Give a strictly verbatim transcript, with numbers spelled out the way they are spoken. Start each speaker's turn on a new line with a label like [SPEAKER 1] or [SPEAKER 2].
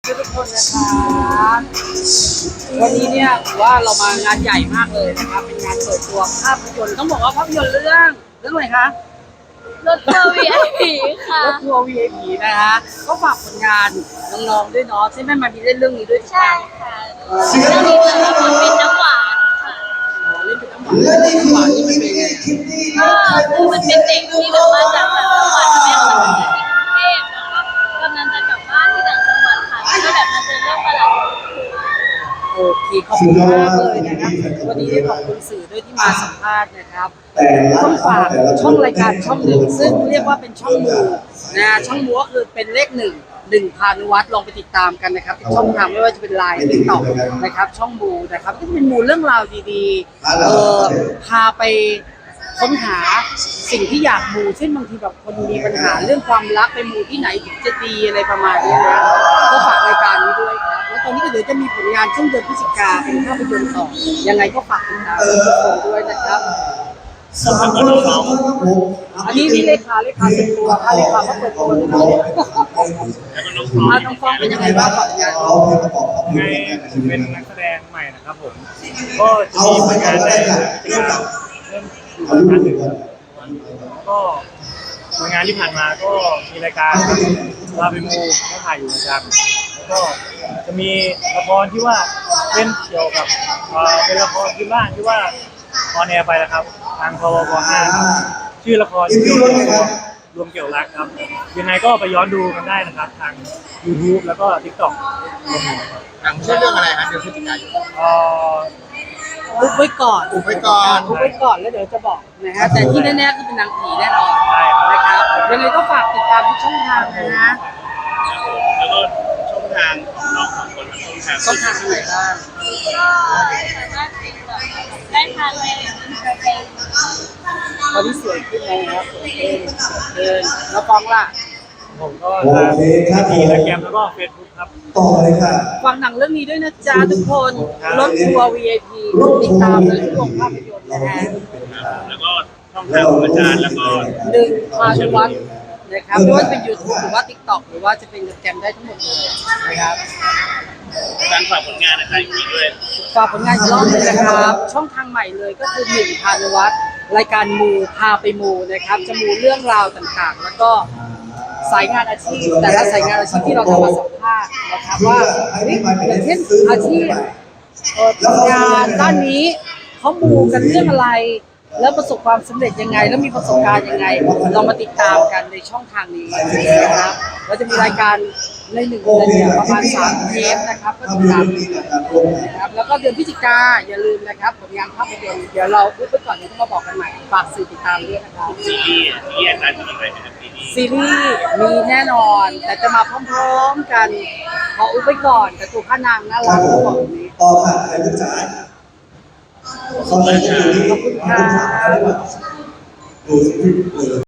[SPEAKER 1] ทุกคนนะครับวันนี้เนี่ยถือว่าเรามางานใหญ่มากเลยนะครับเป็นงานเปิดตัวภาพยนตร์ต้องบอกว่าภาพยนตร์เรื่องเรื่องอะไรคะ
[SPEAKER 2] รถทัวร์ วี ไอ พี ค่ะ
[SPEAKER 1] รถทัวร์ วี ไอ พี นะคะก็ฝากผลงานน้องๆด้วยเนาะที่แม่มามีเล่นเรื่องนี้ด้วยถูกไหม
[SPEAKER 2] ใช่ค่ะเรื่องนี้จะรับบทเป็นน้ำหวานค่ะ
[SPEAKER 1] เล่นเป็นน้ำหวานเล่นเป็นน้ำหวานนี่มันเป็นไง
[SPEAKER 2] ก็คือมันเป็นเด็กที่แบบมาจากต่างจังหวัดแม่มาอยู่ที่กรุงเทพแล้วก็กำลังจะกลับบ้านที่ต่างจังหวัดค่ะแล้วก็แบบมาเจอเรื่องประหลาด
[SPEAKER 1] โอเคขอบคุณมากเลยนะครับวันนี้ได้ขอบคุณสื่อด้วยที่มาสัมภาษณ์นะครับต้องฝากช่องรายการช่องหนึ่งซึ่งเรียกว่าเป็นช่องมูนะช่องมูก็คือเป็นเลขหนึ่งหนึ่งพานุวัฒน์ลองไปติดตามกันนะครับช่องทางไม่ว่าจะเป็นไลน์ติ๊กต็อกนะครับช่องมูนะครับก็จะเป็นมูเรื่องราวดีๆเออพาไปค้นหาสิ่งที่อยากมูเช่นบางทีแบบคนมีปัญหาเรื่องความรักไปมูที่ไหนถึงจะดีอะไรประมาณนี้นะก็ฝากรายการนี้ด้วยครับแล้วตอนนี้ก็เดี๋ยวจะมีผลงานช่วงเดือนพฤศจิกาเป็นภาพยนตร์ต่อยังไงก็ฝากติดตามทุกคนด้วยนะครับอันนี้นี่เลขาเลขาส่วนตัวค่ะเลขาเขาเปิดตัวเลยนะมาน้องฟองเป็นยังไงบ้างฝากงาน
[SPEAKER 3] ไงเป็นนักแสดงใหม่นะครับผมก็จะมีผลงานในเรื่องเริ่มอยู่ประมาณหนึ่งก็ผลงานที่ผ่านมาก็มีรายการลาเปมูก็ถ่ายอยู่ประจำแล้วก็จะมีละครที่ว่าเล่นเกี่ยวกับเป็นละครพื้นบ้านที่ว่าออนแอร์ไปแล้วครับทางพวกห้าครับชื่อละครเกี่ยวกับรวมเกี่ยวรักครับยังไงก็ไปย้อนดูกันได้นะครับทาง YouTube แล้วก็ TikTok
[SPEAKER 4] หนังชื่อเรื่องอะไรครับเดือนพฤศจิกายน
[SPEAKER 3] เอ่อ
[SPEAKER 1] อุบไว้ก่อน
[SPEAKER 4] อุบไว้ก่อน
[SPEAKER 1] อุบไว้ก่อนแล้วเดี๋ยวจะบอกนะฮะแต่ที่แน่ๆคือเป็นนางผีแน่นอน
[SPEAKER 3] ใช่ครับ
[SPEAKER 1] นะครับยังไงก็ฝากติดตามทุกช่องทางนะ
[SPEAKER 4] แล้วก็ช่องทางของน้องสองคนครับช่องทาง
[SPEAKER 1] ช่องทางไหนบ้าง
[SPEAKER 2] ก็สามารถติดต่อได้ทางในอินสตาแกรม
[SPEAKER 1] ตอนนี้สวยขึ้นแล้วนะครับสวยขึ้นเดินแล้วฟองล่ะ
[SPEAKER 3] ผมก็ทางทีและแกรมแล้วก็ Facebook ครับ
[SPEAKER 5] ต่อเลยค่ะ
[SPEAKER 1] ฟังหนังเรื่องนี้ด้วยนะจ๊ะทุกคนรถทัวร์ วี ไอ พี ติดตามเลยทุกโรงภาพยนตร์นะฮะ
[SPEAKER 4] แล้วก็ช่องทางของอาจารย์แล้วก็
[SPEAKER 1] หนึ่งพานุวัฒน์นะครับไม่ว่าจะเป็น YouTube หรือว่า TikTok หรือว่าจะเป็นแกรมได้ทั้งหมดเลยนะครับ
[SPEAKER 4] การฝากผลงานนะครับอีกด้วย
[SPEAKER 1] ฝากผลงานอีกรอบหนึงนะครับ ช่องทางใหม่เลยก็คือหนึ่งพานุวัฒน์รายการมูพาไปมูนะครับจะมูเรื่องราวต่างๆ แล้วก็สายงานอาชีพแต่ละสายงานอาชีพที่เราจะมาสัมภาษณ์นะครับว่าเฮ้ยอย่างเช่นอาชีพเอ่อทำงานด้านนี้เขามูกันเรื่องอะไร แล้วประสบความสำเร็จยังไง แล้วมีประสบการณ์ยังไงเรามาติดตามกันในช่องทางนี้นะครับเราจะมีรายการในหนึ่งเดือนเนี่ยประมาณสามเทปนะครับก็ติดตามนะครับแล้วก็เดือนพฤศจิกาอย่าลืมนะครับผลงานภาพยนตร์เดี๋ยวเราพูดไปก่อนเดี๋ยวต้องมาบอกกันใหม่ฝากสื่อติดตามด้วยนะครับ
[SPEAKER 4] ซีรีส์ที่อาจารย์จะมีอะไรนะครับซีรีส์
[SPEAKER 1] ซีรีส์มีแน่นอน แต่จะมาพร้อมๆกันขออุบไว้ก่อนแต่ตัวพระนางน่ารักก็บอกแบบนี้
[SPEAKER 5] ต่อค่ะใครลูกจ๋าเขาเลยจะอยู่นี่
[SPEAKER 1] ขอบคุณค่ะ
[SPEAKER 5] ดูสิเออ